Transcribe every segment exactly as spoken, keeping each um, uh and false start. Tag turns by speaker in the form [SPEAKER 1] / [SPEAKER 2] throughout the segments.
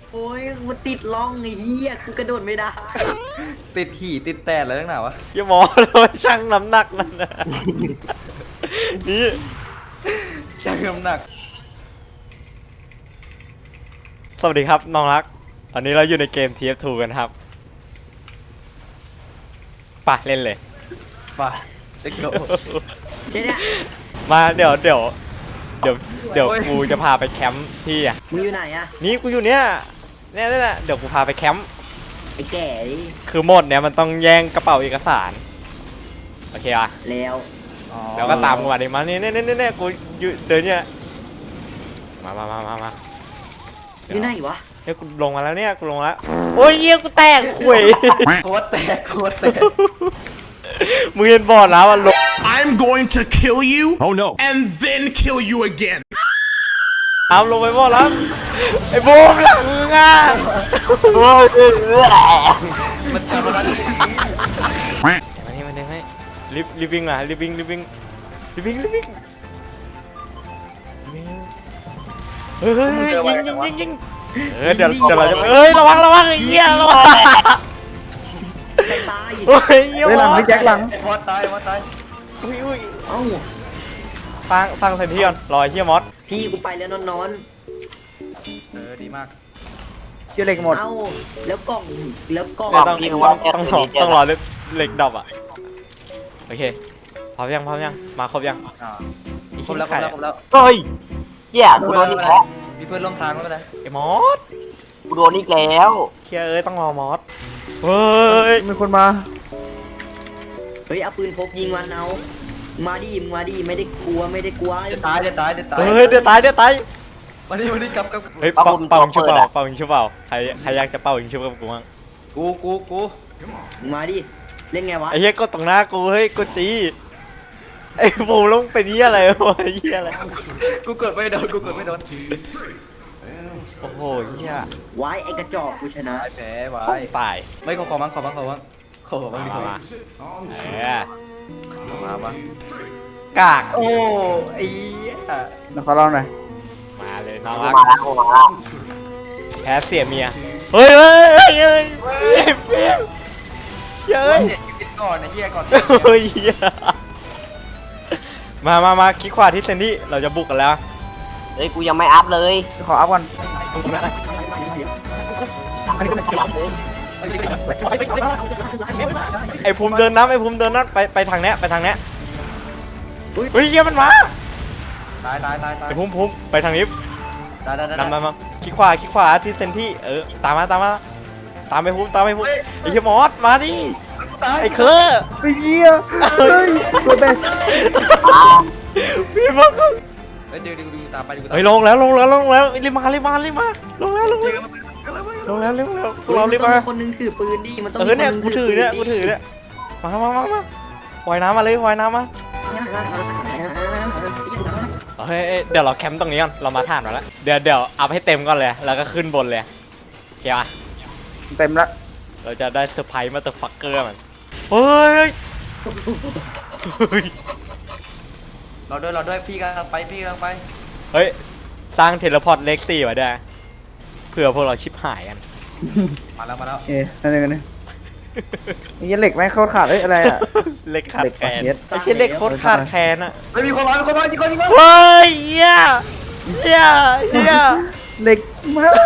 [SPEAKER 1] โอ้ยมันติดล่องไอ้เหี้ยกูกระโดดไม่ได้
[SPEAKER 2] ติดขี่ติดแตดอะไรตั้งหนาวะ
[SPEAKER 3] อย่าหมอเราช่างน้ำหนักนั่นนะนี่
[SPEAKER 2] ช่างน้ำหนัก
[SPEAKER 3] สวัสดีครับน้องรักตอนนี้เราอยู่ในเกม ที เอฟ ทู กันครับป่ะเล่นเลย
[SPEAKER 2] ไปเด็กโล
[SPEAKER 1] ใช่เนี่ย
[SPEAKER 3] มาเดี๋ยวเดี๋ยวเดี๋ยวเดี๋ยว
[SPEAKER 2] โอ้ย
[SPEAKER 3] กูจะพาไปแคมป์ที่อ่ะ
[SPEAKER 1] มึงอยู่ไหนอะ
[SPEAKER 3] นี่กูอยู่เนี้ยเนี่ยนี่แหละเดี๋ยวกูพาไปแคมป์
[SPEAKER 1] ไอ้แก่ดิ
[SPEAKER 3] คือโหมดเนี้ยมันต้องแย่งกระเป๋าเอกสารโอเคอ่ะ
[SPEAKER 1] แล้ว
[SPEAKER 3] แล้วก็ตามกูมาดิมานี่นี่นี่นี่กูอยู่เดินเนี่ยมามามามามา
[SPEAKER 1] อยู่ไหนวะ
[SPEAKER 3] เฮ้ยกูลงมาแล้วเนี่ยกูลงมาแล้วโอ้ยเยี่ยกูแตกข่วย
[SPEAKER 2] โคตรแตกโคตรแตก
[SPEAKER 3] มึงเห็นบอดแล้วอ่ะลง
[SPEAKER 4] I'm going to kill you.
[SPEAKER 5] Oh no.
[SPEAKER 4] And then kill you again.
[SPEAKER 3] เอาลงไปบอดแล้วไอ้บูมหลังมึงอ่ะ
[SPEAKER 2] มันชาร์จนี้
[SPEAKER 3] มานี่มาเด้งให้รีบรีบวิ่งมารีบวิ่งรีบวิ่งรีบวิ่งรีบวิ่งเฮ้ยยิงยิงยิงยิงเออเดี๋ยวเดี๋ยวเราจะเฮ้ยระวังระวังไอ้เหี้ยระวัง
[SPEAKER 1] ใครตาย
[SPEAKER 3] โอ้ยเหี้ย
[SPEAKER 6] เฮ้ยหลังพี่แจ็คหลัง
[SPEAKER 2] มอสตายมอสตาย
[SPEAKER 3] อุ้ยอุ้ย
[SPEAKER 1] เอ้า
[SPEAKER 3] สร้างสร้างเซนที่ก่อนรอไอ้เหี้ยมอส
[SPEAKER 1] พี่กูไปแล้วนอนนอน
[SPEAKER 2] เออดีมาก
[SPEAKER 6] เชื่อเหล็กหมด
[SPEAKER 1] เอ้าแล้วกล่องแล้วกล่อง
[SPEAKER 3] เดี๋ยวต้องต้องต้องรอต้องรอเหล็กดอบอ่ะโอเคพร้อมยังพร้อมยังมาครบยัง
[SPEAKER 2] อ่าครบแล้วครบแล้วครบแล้ว
[SPEAKER 7] เฮ้ยเหี้ยกูโดนอีกแล้ว
[SPEAKER 2] มีเพื่อนร่วมทางแล้วก็ได้
[SPEAKER 3] ไอ้มอส
[SPEAKER 7] กูโดนอีกแล้ว
[SPEAKER 3] เคียเอ้ยต้องรอมอสเฮ้ย
[SPEAKER 6] มีคนมา
[SPEAKER 1] เฮ้ยเอาปืนพกยิงมันเอามาดิมึงมาดิไม่ได้กลัวไม่ได้กลัว
[SPEAKER 2] เดี๋ยวตายเดี๋ยวตายเดี๋ยวตาย
[SPEAKER 3] เฮ้ยเดี๋ยวตายเดี๋ยวตาย
[SPEAKER 2] วันนี้วันนี้กลับกลับ
[SPEAKER 3] เฮ้ยเป่าเป่ายิงชุบเป่าเป่ายิงชุบเป่าใครใครอยากจะเป่ายิงชุบกับกูมั้ง
[SPEAKER 2] กูกูกู
[SPEAKER 1] มึงมาดิเล่นไงวะ
[SPEAKER 3] ไอ้เหี้ยก็ตรงหน้ากูเฮ้ยกูจีไอ้บูลงเป็นเหี้ยอะไรวะไอ้เหี้ยอะไร
[SPEAKER 2] กูเกิดไม่โดนกูเกิดไม่โดน
[SPEAKER 3] โอ้โหเหี้ย
[SPEAKER 1] ไว้ไอ้กระจอกกูชนะ
[SPEAKER 2] ตายแผลไว้
[SPEAKER 3] ตาย
[SPEAKER 2] ไม่ขอขอมั้งขอมั้งขอมั้งขอมั้งดีขอมั้ง
[SPEAKER 3] เออ
[SPEAKER 2] มาบ้าง
[SPEAKER 3] กาก
[SPEAKER 2] โอ้ไอ้เหี้ย
[SPEAKER 6] เดี๋ยวขอลองหน่อย
[SPEAKER 3] มาเลยน้อง
[SPEAKER 7] กู
[SPEAKER 3] รัก
[SPEAKER 7] มาแล้วกูมาแล้ว
[SPEAKER 3] แพ้เสียเมียเฮ้ยเฮ้ยเฮ้ยเฮ้ยเฮ้ยเฮ้ยเฮ้ย
[SPEAKER 2] เสียชีวิตก่อนไอ้เหี้ยก่อน
[SPEAKER 3] เฮ้ยเหี้ยมามามาคลิกขวาที่เซนดี้เราจะบุกกันแล้ว
[SPEAKER 7] เฮ้ยกูยังไม่อัพเลย
[SPEAKER 6] ขออัพก่อน
[SPEAKER 3] ไอ้ภูมิเดินน้ำไอ้ภูมิเดินน้ำไปไปทางเนี้ยไปทางเนี้ยเฮ้ยเหี้ยมันมา
[SPEAKER 2] ตายตายตายตาย
[SPEAKER 3] ไอ้ภูมิภูมิไปทางนี้
[SPEAKER 2] ตายตายตาย
[SPEAKER 3] นำนำนำคลิกขวาคลิกขวาที่เซนที่เออตามมาตามมาตามไปภูมิตามไปภูมิไอ้เหี้ยมอสมาดิไอ้เคอร์
[SPEAKER 6] ไอ้เหี้ยเฮ้ยตัวแบก
[SPEAKER 3] พี่มอส
[SPEAKER 2] เฮ้ยดูดูดูตามไปดูตาม
[SPEAKER 3] เฮ้ยลงแล้วลงแล้วลงแล้วรีบมารีบมารีบมาลงแล้วลงแล้วลงแล้วเร็วแล้วพวกเรารีบ
[SPEAKER 1] ต้อง
[SPEAKER 3] มา
[SPEAKER 1] มีคนนึงถือปืนดิมันต้อง
[SPEAKER 3] เอ
[SPEAKER 1] มี
[SPEAKER 3] อเนี่ย
[SPEAKER 1] ค
[SPEAKER 3] กูถือเนี่ยกูถือเนี่ยมามามามาว่ายน้ำมาเลยว่ายน้ำมาเฮ้ยเดี๋ยวเราแคมป์ตรงนี้ก่อนเรามาถ่านมาแล้วเดี๋ยวเดี๋ยวอัพให้เต็มก่อนเลยแล้วก็ขึ้นบนเลยโอเคป่ะ
[SPEAKER 6] เต็มละ
[SPEAKER 3] เราจะได้เซอร์ไพรส์มาเตอร์ฟักเกอร์มันเฮ้ยเฮ้ย
[SPEAKER 2] เราด้วยเราด้วยพี่กำลังไปพี่กำลังไป
[SPEAKER 3] เฮ้ยสร้างเทเลพอร์ตเล็กซี่ไว้ด้วยเผื่อพวกเราชิบหายกัน
[SPEAKER 2] มาแล้วมาแล้ว
[SPEAKER 6] โอเคนั่นเองกันนี่ไอ้เหี้ยเหล็กไม่เข้าขาดเอ้ยอะไรอ่ะ
[SPEAKER 3] เล็กขาด
[SPEAKER 6] เหล็ก
[SPEAKER 3] แคลน
[SPEAKER 6] เย็ด
[SPEAKER 3] ไอ้เชี่ยเล็กโคตรขาดแคลนอะ
[SPEAKER 2] ไม่มีคนมามีคนมาจริงคนจริงคน
[SPEAKER 3] เฮ้ยเฮียเฮียเฮีย
[SPEAKER 6] เหล็กมาก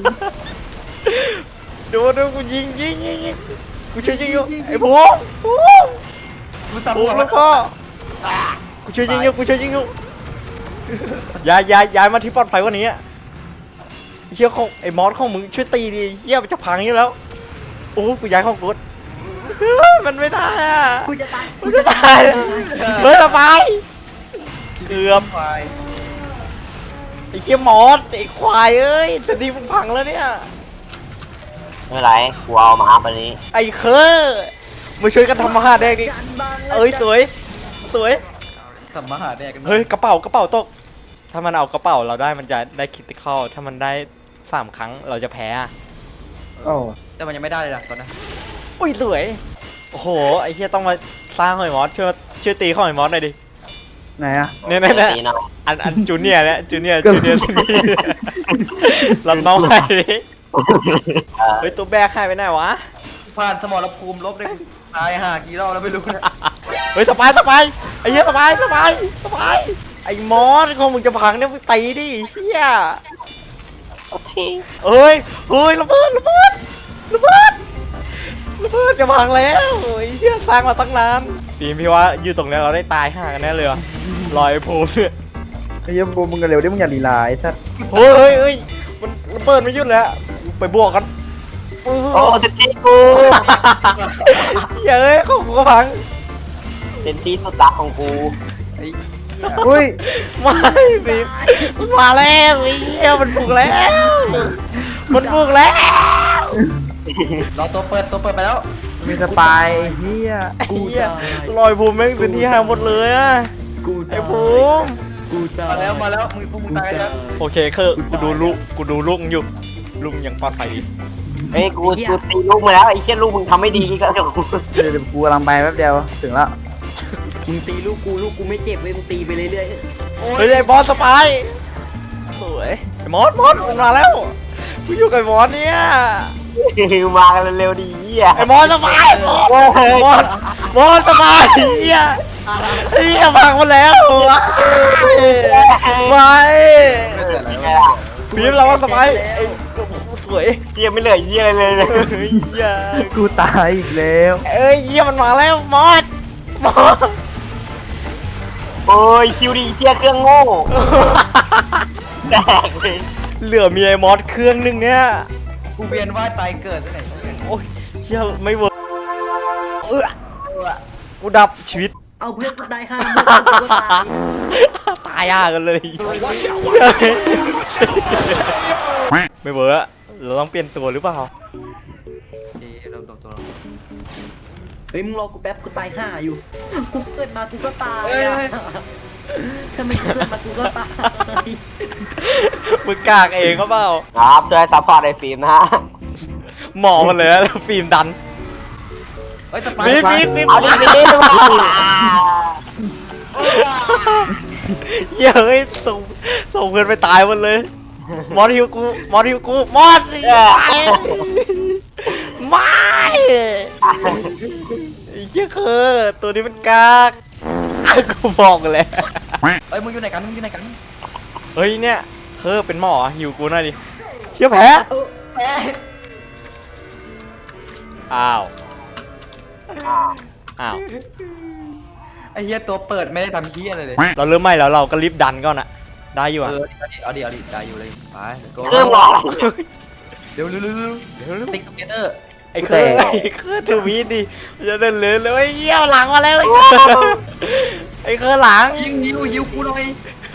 [SPEAKER 3] ดูดูกูยิงยิงยิงยิงกูช่วยยิงอยู่ไอ้บูบู
[SPEAKER 2] กูสับ
[SPEAKER 3] บู
[SPEAKER 2] หัว
[SPEAKER 3] แล้วก็กูช่วยยิงอยู่กูช่วยยิงอยู่ย้ายย้ายย้ายมาที่ปลอดภัยกว่านี้อะเชี่ยของไอ้มอสของมึงช่วยตีดิเฮียมันจะพังอยู่แล้วโอ้กูย้ายของกูมันไม่ได้อะ
[SPEAKER 1] กูจะตาย
[SPEAKER 3] กูจะตายเฮ้ยระบายเกือบ
[SPEAKER 2] ควาย
[SPEAKER 3] ไอ้เชี่ยมอสไอ้ควายเอ้ยสตีมึงพังแล้วเนี่ย
[SPEAKER 7] ไม่เป็นไรกูเอามาอัพอันนี้
[SPEAKER 3] ไอ้เคอมาช่วยกันทำอาหารแดงดิเอ้ยสวยสวย
[SPEAKER 2] ทำมาหาแดกกัน
[SPEAKER 3] เฮ้ยกระเป๋ากระเป๋าตกถ้ามันเอากระเป๋าเราได้มันจะได้คิติคอลถ้ามันได้สามครั้งเราจะแพ้อะ
[SPEAKER 6] โอ้
[SPEAKER 2] แต่มันยังไม่ได้เลยล่ะตอนนั้น
[SPEAKER 3] อุ้ยสวยโอ้โหไอ้เชี่ยต้องมาสร้างหอยมอสช่วยช่วยตีข้อยมอสหน่อยดิ
[SPEAKER 6] ไหนอ่ะ
[SPEAKER 3] เนี่ยเนี่ยเนี่ย
[SPEAKER 7] ตีหน่อย
[SPEAKER 3] อันอันจูเนียร์เนี่ยจูเนียร์จูเนียร์จูเนียร์รับน้องไปดิเฮ้ยตัวแบกหายไปไหนวะ
[SPEAKER 2] ผ่านสมรภูมิลบได้ตายห่ากี่รอบแล้วไม่รู้นะ
[SPEAKER 3] เฮ้ยสบายสบายไอ้เหี้ยสบายสบายสบายไอ้มอสของมึงจะพังเนี่ยมึงตีดิเฮีย
[SPEAKER 7] โอเค
[SPEAKER 3] เอ้ยเฮ้ยระเบิดระเบิดระเบิดระเบิดจะพังแล้วไอ้เฮียสร้างมาตั้งนานปีมพี่ว่าอยู่ตรงนี้เราได้ตายห่ากันแน่เลยอะลอยโพลเนี่ย
[SPEAKER 6] ไอ้เหี้ยบูมมึงกันเร็วดิมึงอย่าลีลาไอ้สัส
[SPEAKER 3] เฮ้ยเฮ้ยเฮ้ยมันระเบิดไม่หยุดเลยอะไปบวกกัน
[SPEAKER 7] โอ้เต็มที่กู
[SPEAKER 3] เฮ้ยเอ้ยของกูก็พัง
[SPEAKER 7] เต็มที่สุดรักของกู
[SPEAKER 3] ไอ้
[SPEAKER 6] อุ้ย
[SPEAKER 3] ไม่ปีมมันมาแล้วไอ้เหี้ยมันบุกแล้วมันบุกแล้ว
[SPEAKER 2] รอตัวเปิดตัวเปิดไปแล้ว
[SPEAKER 6] มีสปายเฮีย
[SPEAKER 3] ไอ้เหี้ยลอยภูมิแม่งเป็นที่ห่างหมดเลยอะ
[SPEAKER 1] กู
[SPEAKER 3] ไอ้
[SPEAKER 1] ตาย
[SPEAKER 3] ภูมิ
[SPEAKER 1] กูตาย
[SPEAKER 2] มาแล้วมาแล้วมึงพวกมึงตายแล้ว
[SPEAKER 3] โอเคคือกูดูลูกกูดูลูกอยู่ลูกยังปลอดภัยดี
[SPEAKER 7] เฮ้ยกูกูตีลูกมาแล้วไอ้เชี่ยลูกมึงทำไม่ดีก็เดี๋ยวกู
[SPEAKER 6] เดี๋ยวเดี๋ยวกูกำลังไปแป๊บเดียวถึงแล้ว
[SPEAKER 1] มึงตีลูกกูลูกกูไม่เจ็บเว้ยมึงตีไปเรื่อย
[SPEAKER 3] เฮ้ยไอ้บอสสปายสวยไอ้มอสมอสมันมาแล้วกูอยู่กับไอ้มอสเนี่ย
[SPEAKER 7] มากันเร็วๆดีเหี้ย
[SPEAKER 3] ไอ้มอสสปายมอสมอสมอสสปายเฮียเฮียพังหมดแล้วไม่
[SPEAKER 7] ไงล่ะ
[SPEAKER 3] พีมเราว่าสปายไอ้สวย
[SPEAKER 7] เหี้ยไม่เหลือเหี้ยอะไรเลย
[SPEAKER 3] เฮ้ยเหี้ย
[SPEAKER 6] กูตายอีกแล้ว
[SPEAKER 3] เอ้ยเฮียมันมาแล้วมอสมอส
[SPEAKER 7] โอ้ยคิวดีเหี้ยเครื่องโง่แตกเลย
[SPEAKER 3] เหลือมีไอ้มอสเครื่องนึงเนี่ย
[SPEAKER 2] กูเวียนว่ายตายเกิดซะไหน
[SPEAKER 3] โอ้ยเฮียไม่เวิร์กเออกูดับชีวิต
[SPEAKER 1] ๆเอาเพื่อนกูตายห้ามึงกูก็ตาย
[SPEAKER 3] ตายยากกันเลยไม่เวิร์กอะเราต้องเปลี่ยนตัวหรือเปล่า
[SPEAKER 2] เฮ้ยเราตัวตัว
[SPEAKER 1] เฮ้ยมึงรอกูแป๊บกูตายห้าอยู่กูเกิดมากูก็ตาย
[SPEAKER 2] เฮ้ย
[SPEAKER 1] อะทำไมกูเกิดมากูก็ตาย
[SPEAKER 3] มึงกากเองก็เปล่า
[SPEAKER 7] ครับช่วยซัพพอร์ตไอ้ฟิล์มนะฮะ
[SPEAKER 3] หมอมันเลยอะแล้วฟิล์มดัน
[SPEAKER 2] เฮ้ยสปาย
[SPEAKER 3] ฟิล์มฟิล์มฟิล์ม
[SPEAKER 7] เอาดิดิดิมา
[SPEAKER 3] เหี้ยเฮ้ยส่งส่งเพื่อนไปตายหมดเลยมอสฮิวกูมอสฮิวกูมอสไม่ไอ้เหี้ยคือตัวนี้มันกากกูบอกเลย
[SPEAKER 2] เฮ้ยมึงอยู่ไหนกันมึงอยู่ไหนกัน
[SPEAKER 3] เฮ้ยเนี่ยเธอเป็นหมอหิวกูหน่อยดิเชี่ยแพ้
[SPEAKER 1] เออแพ้
[SPEAKER 3] อ้าวอ้าว
[SPEAKER 2] ไอ้เหี้ยตัวเปิดไม่ได้ทำเหี้ยอะไรเลย
[SPEAKER 3] เราเริ่มใหม่แล้วเราก็รีบดันก่อนอะได้อยู่
[SPEAKER 2] เอ
[SPEAKER 3] อะ
[SPEAKER 2] อเอาดิเอาดิเอาดิได้อยู่เลยไปโก้
[SPEAKER 7] เครื่องรอ
[SPEAKER 2] เร็วเร็วเร็วเร็ว
[SPEAKER 3] เดี๋ยว
[SPEAKER 2] ติ๊กเกเตอร์
[SPEAKER 3] ไอ้เคยไอ้เคยถือมีดดิมันจะเดินเลยเลยเยี่ยวหลังมาแล้วไอ้เคยไอ้เคยหลัง
[SPEAKER 2] ยิงยิวยิวกูหน่อย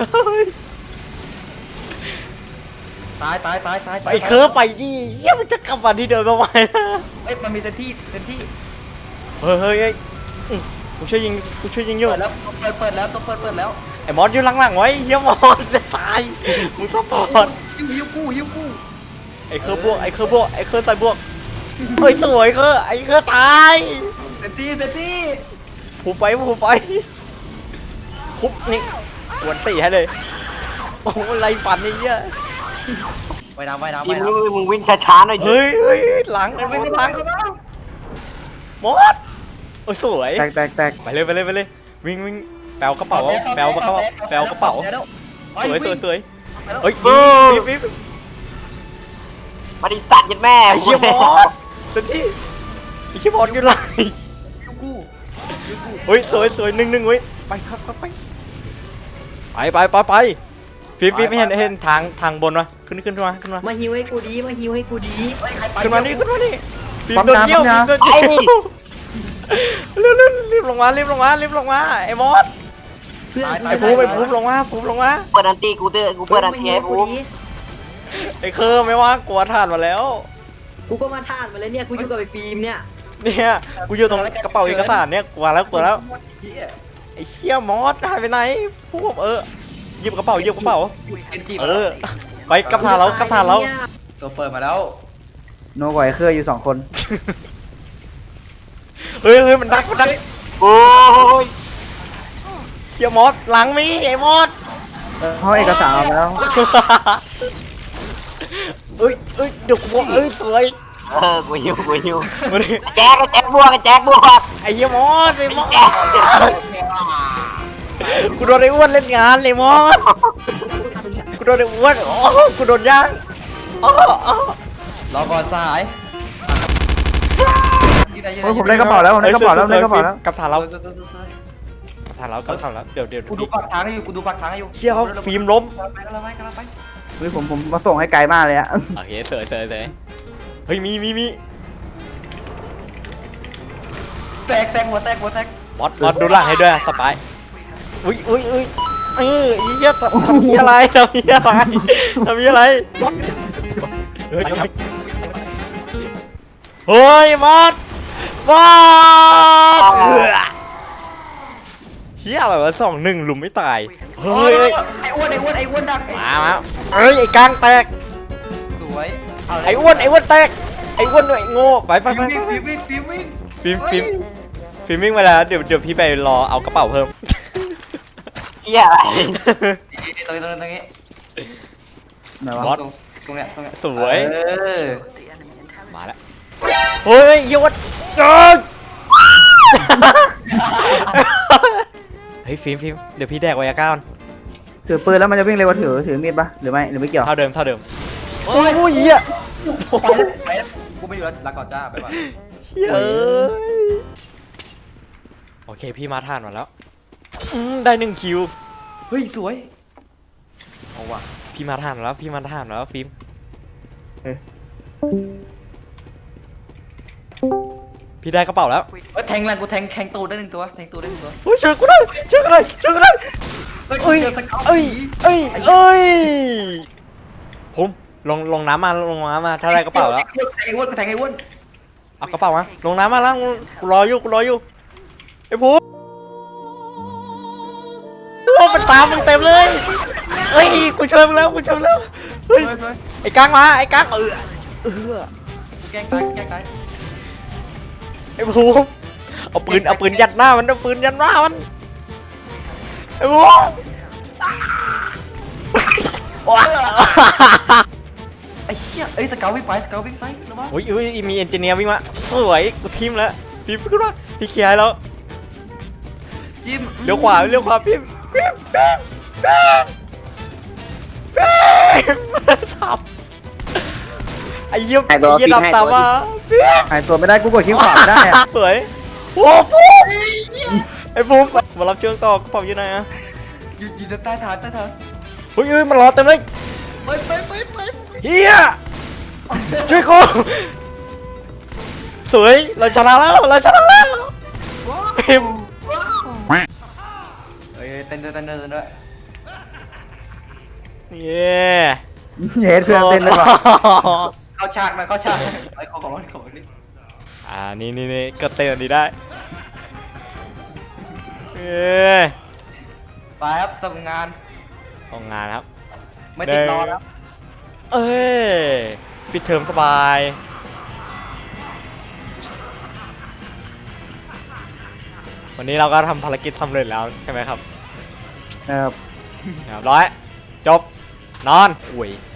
[SPEAKER 2] ตายตายตายตาย
[SPEAKER 3] ไอ้เคยไปดิเยี่ยมันจะกลับมาที่เดิมทำไมนะ
[SPEAKER 2] เฮ้ยมันมีเซนที่เซนที่
[SPEAKER 3] เฮ้ยเฮ้ยเฮ้ยอื้อกูช่วยยิงกูช่วยยิงอยู่
[SPEAKER 2] เปิดแล้วเปิดเปิดแล้วต้องเปิดเปิดแล้ว
[SPEAKER 3] ไอ้มอสอยู่หลังๆไว้เยี่ยมอสจะตายมึงซัพพอร์ต
[SPEAKER 2] ยิวยิวกูยิวกู
[SPEAKER 3] ไอ้เคยบวกไอ้เคยบวกไอ้เคยใส่บวกเฮ้ยสวยเคยไอ้เคยตาย
[SPEAKER 2] เซนที่เซนที่
[SPEAKER 3] ผูไปผูไปคุบนี่กวนตีให้เลยโอ้โหไรฝันนี่เหี้ย
[SPEAKER 2] ไปน้ำไปน้ำไป
[SPEAKER 7] ฟิล์ม
[SPEAKER 2] น้ำ
[SPEAKER 7] มึงมึงวิ่งช้าๆหน่อยดิ
[SPEAKER 3] เฮ้ยเฮ้ยหลังไอ้มอสหลังมอสโอ้ยสวย
[SPEAKER 6] แตกแตกแตก
[SPEAKER 3] ไปเลยไปเลยไปเลยวิ่งวิ่งแปลกระเป๋าแปลกระเป๋าแปลกระเป๋าสวยสวยสวยเฮ้ยวิบวิบวิบ
[SPEAKER 7] มาดิสัตว์ยัดแม่
[SPEAKER 3] ไอ้เหี้ยมอสเต็มที่ไอ้เหี้ยมอสอยู่ไหน
[SPEAKER 2] ยิวกู
[SPEAKER 3] เฮ้ยสวยสวยหนึ่งหนึ่งเว้ยไปครับครับไปไปไปไปไปฟิล์มฟิล์มเห็นเห็นทางทางบนวะขึ้นขึ้นมาขึ้นมา
[SPEAKER 1] มาฮิวให้กูดีมาฮิวให้กูดี
[SPEAKER 3] ขึ้นมานี่ขึ้นมานี่ฟิล์มโดนเยี่ยวฟิล์มโดนเยี่ยวเร็วเร็วรีบลงมารีบลงมารีบลงมาไอ้มอส
[SPEAKER 1] เพื่อน
[SPEAKER 3] ไอ้ภูมิไอ้ภูมิลงมาภูมิลงมา
[SPEAKER 7] เปิดอันตีกูเตอร์กูเปิดอันตีให้กู
[SPEAKER 3] ไอ้เคอร์ไม่ว่ากลัวถ่านมาแล้ว
[SPEAKER 1] กูก็มาท่านมาแล้วเนี่ยกูอยู่กับไอ้ฟิล์มเนี่ย
[SPEAKER 3] เนี่ยกูอยู่ตรงกระเป๋าเอกสารเนี่ยกลัวแล้วกลัวแล้วไอ้เชี่ยมอสหายไปไหนภูมิเออหยิบกระเป๋าหยิบกระเป๋า
[SPEAKER 2] เอ็นจี
[SPEAKER 3] เออไปกับทานเรากับทานเรา
[SPEAKER 2] ตัวเปิดมาแล้ว
[SPEAKER 6] โนกว่าไอ้เครืออยู่สองคน
[SPEAKER 3] เฮ้ยเฮ้ยมันดักมันดัก
[SPEAKER 7] โอ้ย
[SPEAKER 3] เชี่ยมอสหลังมีไอ้มอส
[SPEAKER 6] ห้องเอกสารเอาไปแล้ว
[SPEAKER 3] เอ้ยเอ้ยเดี๋ยวกูบอกเอ้ยสวย
[SPEAKER 7] เออกูหิวกูหิว
[SPEAKER 3] มาดิ
[SPEAKER 7] แจ็คแจ็คบวกแจ็คบวก
[SPEAKER 3] ไอ้เหี้ยมอสไอ้มอส
[SPEAKER 7] แจ็ค
[SPEAKER 3] กูโดนไอ้อ้วนเล่นงานเลยมอสกูโดนไอ้อ้วนอ๋อกูโดนย่างอ๋ออ๋อ
[SPEAKER 2] รอก่อนสหาย
[SPEAKER 6] โอ้ยผมได้กระเป๋าแล้วผมได้กระเป๋าแล้วได้กระเป๋าแล้ว
[SPEAKER 3] กลับฐานเรา
[SPEAKER 2] เออเออเออเออก
[SPEAKER 3] ลับฐานเรากลับฐานเราเดี๋ยวเดี๋ยว
[SPEAKER 2] กูดูปากทางให้อยู่กูดูปากทางให้อยู่
[SPEAKER 3] เชี่ยเขาฟิล์มล้ม
[SPEAKER 2] กำลังไปกำลังไปกำลังไป
[SPEAKER 6] เฮ้ยผมผมมาส่งให้ไกลมากเลยอะ
[SPEAKER 3] โอเคเสยเสยเสยเฮ้ยมีมีมี
[SPEAKER 2] แตกแตกหัวแตกหัวแตก
[SPEAKER 3] บอสบอสดูหลังให้ด้วยสปายอุ้ยอุ้ยอุ้ยเออไอ้เหี้ยทำเหี้ยอะไรทำเหี้ยอะไรทำเหี้ยอะไรเฮ้ยเฮ้ยบอสบอสเหี้ยอะไรวะสองหนึ่งหลุมไม่ตายเฮ้ย
[SPEAKER 2] ไอ้อ้วนไอ้อ้วนไอ้อ้วนดักไอ้
[SPEAKER 3] มามาเอ้ยไอ้กลางแตก
[SPEAKER 2] สวยเาเลย
[SPEAKER 3] ไอ้อ้วนไอ้อ้วนแตกไอ้อ้วนด้วยโง่ไปไปไป
[SPEAKER 2] ฟิว
[SPEAKER 3] ไป
[SPEAKER 2] วิ่งฟิววิ่งฟิววิ่ง
[SPEAKER 3] ฟิล์มฟิล์มฟิล์มวิ่งมาแล้วเดี๋ยวเดี๋ยวพี่ไปรอเอากระเป๋าเพิ่ม
[SPEAKER 7] เฮียอะไร
[SPEAKER 2] นี่ตรงนี้ตรงนี้ตรงนี้
[SPEAKER 6] ไหน
[SPEAKER 3] บอ
[SPEAKER 6] วะ
[SPEAKER 3] ส
[SPEAKER 2] ตรงตรงเนี้ยตรงเนี้ย
[SPEAKER 3] สวย
[SPEAKER 2] เออ
[SPEAKER 3] มาแล้วเฮ้ยยศเกินเฮ้ยฟิล์มฟิล์มเดี๋ยวพี่แดกไวอาก้าก่อน
[SPEAKER 6] ถือปืนแล้วมันจะวิ่งเร็วกว่าถือถือมีดปะหรือไม่หรือไม่เกี่ยว
[SPEAKER 3] เท่าเดิมเท่าเดิมโอ้ยโอ้ยเหี้ย
[SPEAKER 2] ไปแล้วไปแล้วกูไม่อยู่แล้วลาก่อนจ้าไปก่อน
[SPEAKER 3] เหี้ยเอ้ยโอเคพี่มาทานมาแล้วอืมได้หนึ่งคิว
[SPEAKER 2] เฮ้ยสวยเอาว่ะ
[SPEAKER 3] พี่มาทานมาแล้วพี่มาทานมาแล้วฟิล์มพี่ได้กระเป๋าแล้ว
[SPEAKER 2] เฮ้ยแทงแรงกูแทงแทงตูดได้หนึ่งตัวแทงตูดได้หนึ่งตัว
[SPEAKER 3] เฮ้ยช่วยกูได้ช่วยกูได้ช่วยกูได้
[SPEAKER 2] เฮ้ย
[SPEAKER 3] เอ้ย
[SPEAKER 2] เจอสเกาต์
[SPEAKER 3] เอ้ยเอ้ยเอ้ยผมลงลงน้ำมาลงน้ำมาถ้าได้กระเป๋าแล้ว
[SPEAKER 2] แทงไอ้อ้วนกูแทงไอ้อ้วน
[SPEAKER 3] เอากระเป๋ามาลงน้ำมาแล้วกูรออยู่กูรออยู่ไอ้ภูมิโอ้มันตามมึงเต็มเลยเฮ้ยกูช่วยมึงแล้วกูช่วยมึงแล้วเฮ้ย
[SPEAKER 2] เฮ้ยเฮ้ย
[SPEAKER 3] ไอ้กังมาไอ้กังเออเออ
[SPEAKER 2] แกล้งตายแกล้งตาย
[SPEAKER 3] ไอ้ภูมิเอาปืนเอาปืนยัดหน้ามันเอาปืนยัดหน้ามันไอ้ภูมิว้า
[SPEAKER 2] ไอ้เหี้ยเอ้ยสเกาต์วิ่งไปสเกาต์วิ่งไประวัง
[SPEAKER 3] โอ้ยอุ้ยมีเอนจิเนียร์วิ่งมาสวยกูทีมแล้วทีมขึ้นมาพี่เคลียร์ให้แล้ว
[SPEAKER 2] จิ้ม
[SPEAKER 3] เลี้ยวขวาเลี้ยวขวาพิมพ์พิมพ์พิมพ์พิมพ์พิมพ์ทำไอ้เยี่ยมไอ้เยี่ยดำตามมาพิมพ์
[SPEAKER 6] หายตัวไม่ได้กูกดคลิกขวาไม่ได้อะ
[SPEAKER 3] สวยโอ้ฟูไอ้ฟูมารับเชือกต่อกระเป๋าอยู่ไหนอะ
[SPEAKER 2] อยู่อยู่ใต้ฐานใต้ฐาน
[SPEAKER 3] เฮ้ยเฮ้ยมันรอเต็มเลย
[SPEAKER 2] ไปไปไปไป
[SPEAKER 3] เฮียช่วยกูสวยเราชนะแล้วเราชนะแล้วพิมพ์
[SPEAKER 2] เฮ้ยเต้นด้วยเต้นด้วยเต้นด้วย
[SPEAKER 3] เย้
[SPEAKER 6] เย็ดเพื่อนเต้นเลยว่ะ
[SPEAKER 2] เข้าฉากหน่อยเข้าฉากหน่อยไอ้ของของของนี่
[SPEAKER 3] อ่านี่นี่นี่ก็เต้นอันนี้ได้เย้
[SPEAKER 2] ไปครับส่งงาน
[SPEAKER 3] ทำงานครับ
[SPEAKER 2] ไม่ติดรอแล้ว
[SPEAKER 3] เอ้ยปิดเทอมสบาย วันนี้เราก็ทำภารกิจสำเร็จแล้วใช่ไหมครับ
[SPEAKER 6] ครับ
[SPEAKER 3] เรียบร้อย จบ นอน อุ้ย